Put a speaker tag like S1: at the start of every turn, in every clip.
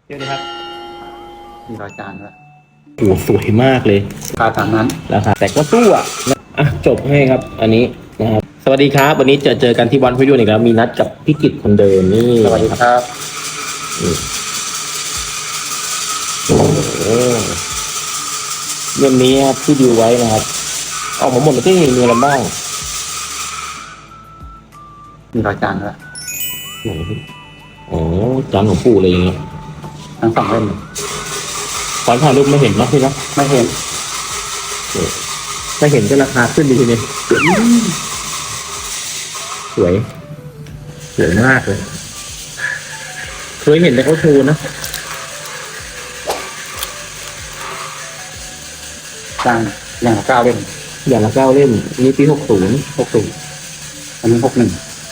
S1: เดี๋ยวนะครับ
S2: มีรอยจานด้วย
S1: โอ้สวยมากเลย
S2: ราคาตามนั้น
S1: ราคาแต่ก็สู้อ่ะจบให้ครับ อันนี้นะครับสวัสดีครับวันนี้เจอกันที่วันพิยูนอีกแล้วมีนัดกับพี่กิตคนเดิมนี่
S2: สวัสดีครับ
S1: โอ้เรื่องนี้ครับที่ดูไว้นะครับออกมาหมดเลยที่มีอะไรบ้าง
S2: มีรอยจานด้วย
S1: โอ้จานของปู่เลยอย่างเงี้ย
S2: ทั้งสองเล่ม
S1: ตอนถ่ายรูปไม่เห็นนะพี่นะ
S2: ไม่เห็น
S1: ถ้าเห็นก็ราคาขึ้นดีทีนี้สวยมากเลยเคยเห็นแต่เขาโชว์นะ
S2: จานอย่างละ9 เล่ม
S1: อย่างละ9 เล่มนี่ปี60
S2: อันนี้61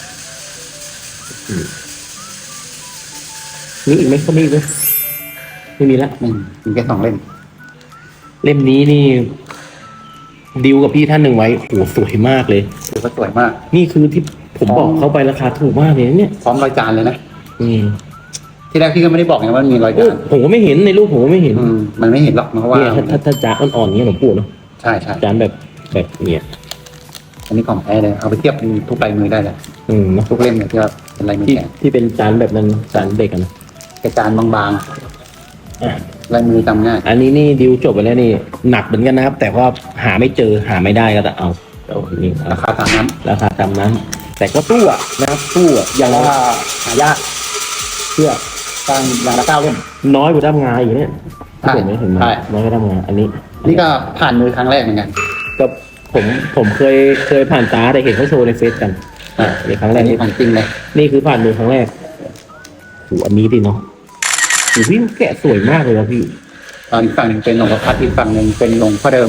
S1: มีอีกไหมเขามีอีกไหมไม่มีละ
S2: มีแค่2 เล่ม
S1: เล่มนี้นี่ดิวกับพี่ท่านหนึ่งไว้โอ้สวยมากเลย
S2: ถือว่าสวยมาก
S1: นี่คือที่ผมบอกเขาไปราคาถูกมากเลยเนี่ย
S2: พร้อมรอยจานเลยนะ
S1: อืม
S2: ที่แรกพี่ก็ไม่ได้บอกไงว่ามีรอยจาน
S1: ผมก็ไม่เห็นในรูปผมก็ไม่เห็น
S2: มันไม่เห็นหรอกเพราะว่า
S1: ถ้าจานอ่อนๆเงี้ยหลวงปู่เนาะ
S2: ใช่
S1: จานแบบเนี่ย
S2: อันนี้ของแท้เลยเอาไปเทียบทุกลายมือได้เลยทุกเล่มเนี่ยที่ว่าเป็นลายมือแท้
S1: ที่เป็นจานแบบนั้นจานเด็กนะ
S2: กระจานบางๆลายมือจำง่าย
S1: อันนี้นี่ดิวจบไปแล้วนี่หนักเหมือนกันนะครับแต่ว่าหาไม่เจอหาไม่ได้ก็เอานี่
S2: ราคาตามนั้น
S1: แต่ก็สู้นะครับสู้อย่าง
S2: ว่าหายากเพื่อการอย่างละ9 เล่ม
S1: น้อยกว่าด้ามงาอีกเนี่ยเห็นไหมน้อยกว่าด้ามงาอันนี้
S2: นี่ก็ผ่านมือครั้งแรกเหมือนกัน
S1: ก็ผมเคยผ่านตาแต่เห็นเขาโชว์ในเฟซกันในครั้งแรก
S2: นี่ผ่านจริงเลย
S1: นี่คือผ่านมือครั้งแรกอันนี้ดิเนาะพี่แกะสวยมากเลยครับพี่
S2: อีกฝั่งหนึ่งเป็นหลวงพ่อพัดอีกฝั่งหนึ่งเป็นหลวงพ่อเดิม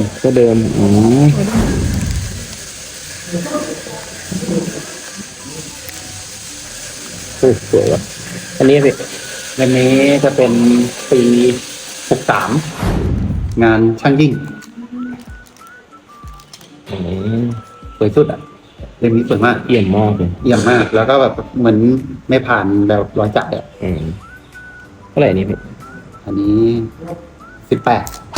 S1: สวยว่ะอันนี้สิ
S2: เล่มนี้จะเป็นปี63งานช่างยิ่งสวยสุดเล่มนี้สวยมาก
S1: เอี่ยมมากเลย
S2: แล้วก็แบบเหมือนไม่ผ่านแบบร้อยจักร
S1: เท่าไหร่นี่พี่
S2: อันนี้18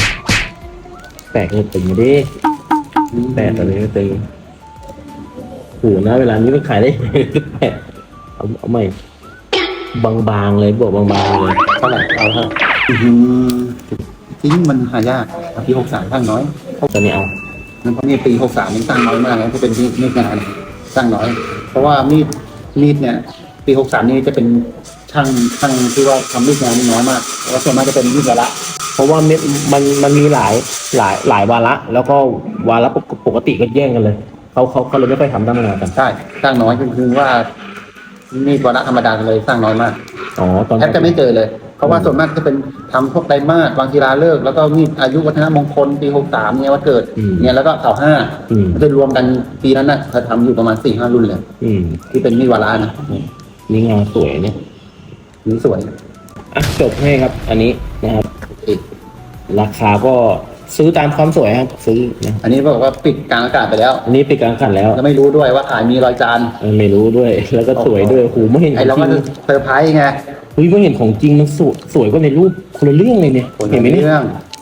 S1: เลยตึงดิ8อะไรก็ตึงโหนะเวลานี้ไม่ขายได้18เอาใหม่บางๆเลยบวกบางๆเลย
S2: เท่าไหร่เอาเท่าจริงมันหายากปี63ตั้งน้อย
S1: ตอนนี้เอา
S2: เพราะนี่ปี63มันตั้งน้อยมากนะที่เป็นมีดงานตั้งน้อยเพราะว่ามีดเนี่ยปี63นี่จะเป็นช่างที่ว่าทำมีดงานนี่น้อยมากแล้วส่วนมากจะเป็นมีดวาระ
S1: เพราะว่ามันมีหลายวาระแล้วก็วาระปกติก็แย่งกันเลยเขาเลยไม่ค่อยทำด้านงานกัน
S2: ใช่สร้างน้อยคือว่ามีดวาระธรรมดาเลยสร้างน้อยมากแทบจะไม่เจอเลยเพราะว่าส่วนมากจะเป็นทำพวกไดมาสวางศิลาฤกษ์แล้วก็มีอายุวัฒนมงคลปี63เนี่ยวันเกิดเนี่ยแล้วก็เสา5จะรวมกันปีนั้นนะเขาทำอยู่ประมาณ 4-5 รุ่นเลยที่เป็นมีดวาระนะ
S1: นี่งานสวยเนี่ย
S2: นี่สวย
S1: จบให้ครับอันนี้นะครับราคาก็ซื้อตามความสวยครับซื้อ
S2: อันนี้บอกว่าปิดกลางอากาศไปแล้ว
S1: อันนี้ปิดกลางอากาศแล้ว
S2: ไม่รู้ด้วยว่าขายมีรอยจาน
S1: ไม่รู้ด้วยแล้วก็สวยด้วยหูไม่เห็น
S2: ไอเราก็เซอร์ไพรส์ไง
S1: ไม่เห็นของจริงมันสวยกว่าในรูปคนละเรื่องเลยเนี่ยเห็นไหมเนี่ย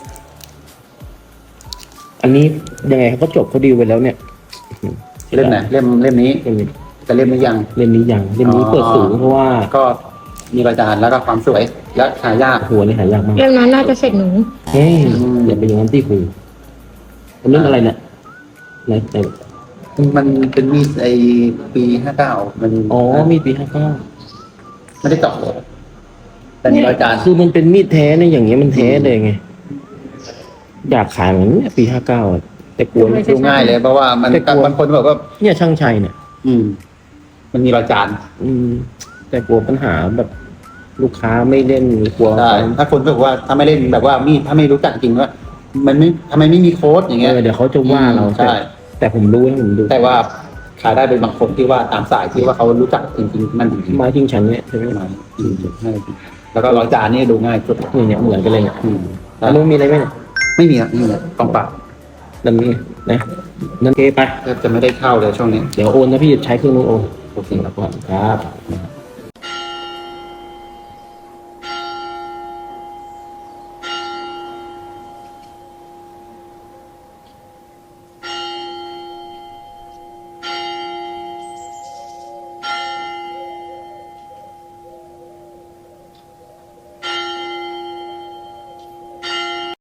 S1: อันนี้ยังไงเขาก็จบเขาดีลไปแล้วเนี่ย
S2: เล่มไหนเล่มนี้แต่เล่มนี้ยัง
S1: เล่มนี้เปิดสูงเพราะว่า
S2: ก็มีรอยจานแล้วก็ความสวยและหายาก
S1: หัวนี่หายากมาก
S3: เรื่องนั้นน่าจะเสร็จหนู
S1: อย่าไปอย่างนั้นที่คุยอันนี้อะไรเนี่ยไหน
S2: มันเป็นมีดปี59มัน
S1: มีดปี59
S2: ไม่ได้เจาะเลยแต่มีรอยจาน
S1: คือมันเป็นมีดแท้เนี่ยอย่างเงี้ยมันแท้เลยไงอยากขายเหมือนปี59แต่กลัว
S2: ดูง่ายเลยเพราะว่ามันบางคนบอกว่า
S1: เนี่ยช่างชัยเนี่ย
S2: มันมีรอยจาน
S1: แต่กลัวปัญหาแบบลูกค้าไม่เล่นกลัว
S2: ถ้าคนบอกว่าถ้าไม่เล่นแบบว่ามีถ้าไม่รู้จักจริงว่ามันไม่ทำไมไม่มีโค้ดอย่างเงี้ย
S1: เดี๋ยวเขาจะว่าเรา
S2: ใช่
S1: แต่ผมรู้
S2: แต่ว่าขายได้เป็นบางคนที่ว่าตามสายที่ว่าเขารู้จักจริงๆมัน
S1: มาจริงฉันเนี่ยใช่ไหม
S2: มาแล้วก็รอยจานนี่ดูง่ายสุด
S1: เนี่ยเหมือนกันเลยเนี่ยแล้วมันมีอะไรไหม
S2: ไม่มีครับนี่กองปราบ
S1: นั่นนี่นะนั่นเกไป
S2: จะไม่ได้เข้าเลยช่วงนี้
S1: เดี๋ยวโอนนะพี่ใช้เครื่องนู้นโอนโอเคครับ